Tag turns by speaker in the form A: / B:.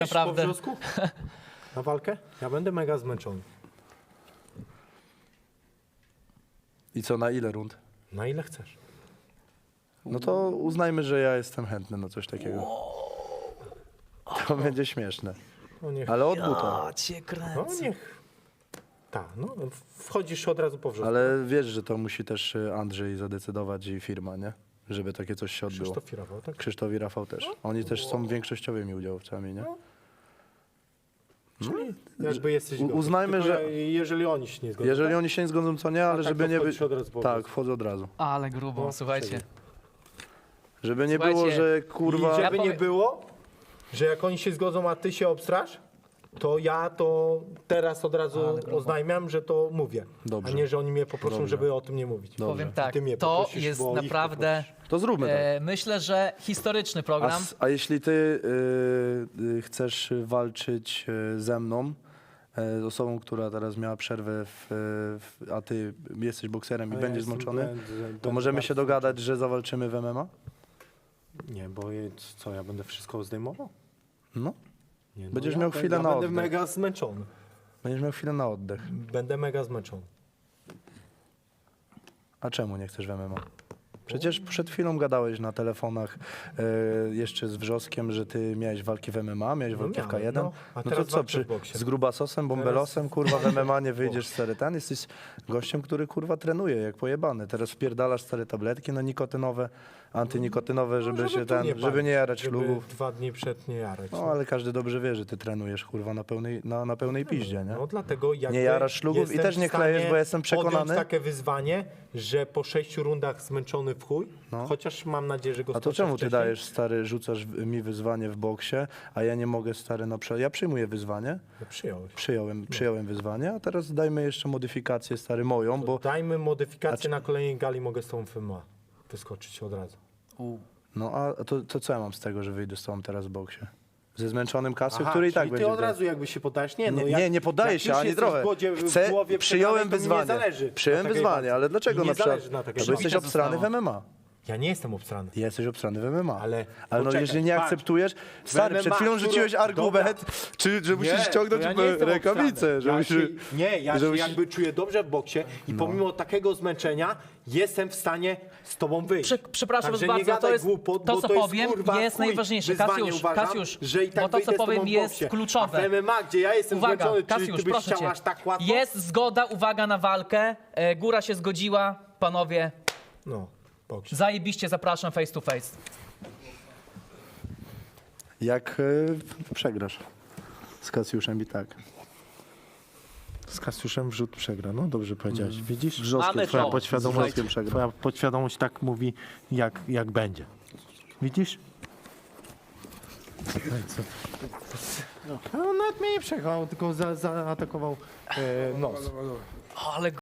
A: Naprawdę.
B: Po wrzosku? Na walkę? Ja będę mega zmęczony.
C: I co, na ile rund?
B: Na ile chcesz?
C: No to uznajmy, że ja jestem chętny na coś takiego. To będzie śmieszne.
B: No niech.
C: Ale od buta.
A: A cię
B: No
A: kręcę.
B: niech. Tak, no wchodzisz od razu po wrzosku.
C: Ale wiesz, że to musi też Andrzej zadecydować i firma, nie? Żeby takie coś się odbyło.
B: Krzysztof Rafał, tak?
C: Krzysztof i Rafał też. Oni też są większościowymi udziałowcami, nie?
B: Czyli jakby jesteś gotów.
C: uznajmy,
B: Tylko
C: że-
B: jeżeli oni się nie zgodzą.
C: Jeżeli
B: tak?
C: oni się nie zgodzą, co nie, ale
B: tak,
C: żeby
B: to
C: nie
B: wchodzisz
C: być.
B: od razu po
C: Tak,
B: wrzosku.
C: wchodzę od razu.
A: Ale grubo,
B: No,
A: słuchajcie.
C: Żeby nie
A: Słuchajcie,
C: było, że
B: I
C: kurwa.
B: żeby
A: Ja
B: nie
A: powiem-
B: było, że jak oni się zgodzą, a ty się obstrasz, to ja to teraz od razu
A: Ale grubo.
B: oznajmiam, że to mówię.
C: Dobrze.
B: A nie, że oni mnie poproszą,
C: Dobrze.
B: żeby o tym nie mówić.
A: Powiem tak,
B: Ty mnie
A: to
B: poprosisz,
A: jest
B: bo ich
A: naprawdę,
C: To zróbmy tak.
A: myślę, że historyczny program.
C: A jeśli ty chcesz walczyć ze mną, z osobą, która teraz miała przerwę, a ty jesteś bokserem i
B: A ja
C: będziesz
B: jestem-
C: zmęczony,
B: będę
C: to możemy
B: bardzo
C: się dogadać, że zawalczymy w MMA?
B: Nie, bo co, ja będę wszystko zdejmował?
C: No.
B: Nie, no
C: Będziesz
B: ja
C: miał chwilę na
B: będę
C: oddech.
B: mega zmęczony.
C: Będziesz miał chwilę na oddech.
B: Będę mega zmęczony.
C: A czemu nie chcesz w MMA? Przecież przed chwilą gadałeś na telefonach jeszcze z Wrzoskiem, że ty miałeś walki w MMA, miałeś walki w
B: miałem,
C: K1.
B: no. A
C: No to
B: teraz
C: co,
B: walczę w boksie.
C: z grubasosem, bombelosem, kurwa w MMA nie wyjdziesz stary ten? Jesteś gościem, który kurwa trenuje jak pojebany. Teraz wpierdalasz stare tabletki na nikotynowe, antynikotynowe, żeby się
B: tu
C: żeby
B: palić,
C: nie jarać
B: żeby
C: ślubów. 2
B: dni przed nie jarać.
C: No ale każdy dobrze wie, że ty trenujesz kurwa na pełnej piździe, nie?
B: No dlatego jakby
C: Nie jarasz ślubów i
B: jestem
C: też nie
B: w stanie
C: klejesz, bo jestem przekonany.
B: podjąć takie wyzwanie, że po 6 rundach zmęczony w chuj, chociaż mam nadzieję, że go
C: A to
B: skończę
C: czemu ty
B: wcześniej.
C: dajesz, stary, rzucasz mi wyzwanie w boksie, a ja nie mogę, stary, na przykład. Ja przyjmuję wyzwanie,
B: No, przyjąłeś.
C: przyjąłem wyzwanie, a teraz dajmy jeszcze modyfikację, stary, moją, bo
B: Dajmy modyfikację na kolejnej gali, mogę z tą MMA wyskoczyć od razu.
C: no a to co ja mam z tego, że wyjdę z tobą teraz w boksie? Ze zmęczonym Kasio,
B: Aha,
C: który i tak
B: czyli
C: będzie.
B: ty od razu jakby się podajesz? Nie, no
C: Nie poddaję
B: jak
C: się
B: już
C: ani
B: jesteś
C: trochę.
B: w głowie przegranej,
C: Przyjąłem
B: to mi
C: wyzwanie.
B: Nie zależy
C: Przyjąłem
B: na takiej
C: wyzwanie,
B: walce.
C: ale dlaczego
B: Mi
C: na
B: nie
C: przykład?
B: zależy na takiej
C: Bo
B: walce.
C: jesteś
A: Bicie
C: obstrany w
A: zostało.
C: MMA.
B: Ja nie jestem obstrany.
C: Jesteś obstrany w MMA.
B: Ale
C: no
B: poczekaj,
C: jeżeli nie
B: patrz.
C: akceptujesz, stary, przed
B: MMA,
C: chwilą rzuciłeś
B: dobra.
C: argument, że musisz
B: Nie,
C: ściągnąć
B: to ja nie jestem
C: rękawice,
B: obstrany.
C: że
B: Ja
C: musisz...
B: się, nie, ja
C: że
B: się
C: musisz-
B: jakby czuję dobrze w boksie i pomimo takiego zmęczenia jestem w stanie z tobą wyjść.
A: Przepraszam
B: Także
A: was
B: nie
A: bardzo,
B: gadaj
A: to jest
B: głupot,
A: to,
B: bo
A: co
B: to jest,
A: powiem,
B: kurwa,
A: jest
B: chuj
A: najważniejsze.
B: wyzwanie, uważam,
A: Kasiusz,
B: że i tak
A: bo to, co
B: wyjdę z tobą
A: powiem,
B: w
A: jest
B: boksie.
A: kluczowe.
B: A w MMA, gdzie ja jestem
A: Uwaga,
B: zmęczony, czy
A: Kasiusz,
B: ty byś
A: proszę
B: chciał
A: cię.
B: aż tak łatwo?
A: Jest zgoda, uwaga na walkę. Góra się zgodziła. Panowie,
B: No, boksie.
A: zajebiście zapraszam face to face.
C: Jak przegrasz z Kasiuszem i tak.
B: Z Kasiuszem wrzut przegra, no dobrze powiedziałeś. Widzisz?
C: Wrzoskiem,
A: Mamy
C: twoja
A: to.
C: podświadomość,
A: Słuchajcie,
C: przegra.
B: Twoja podświadomość tak mówi, jak będzie. Widzisz? No, on nawet mnie nie przejechał, tylko zaatakował nos.
A: Ale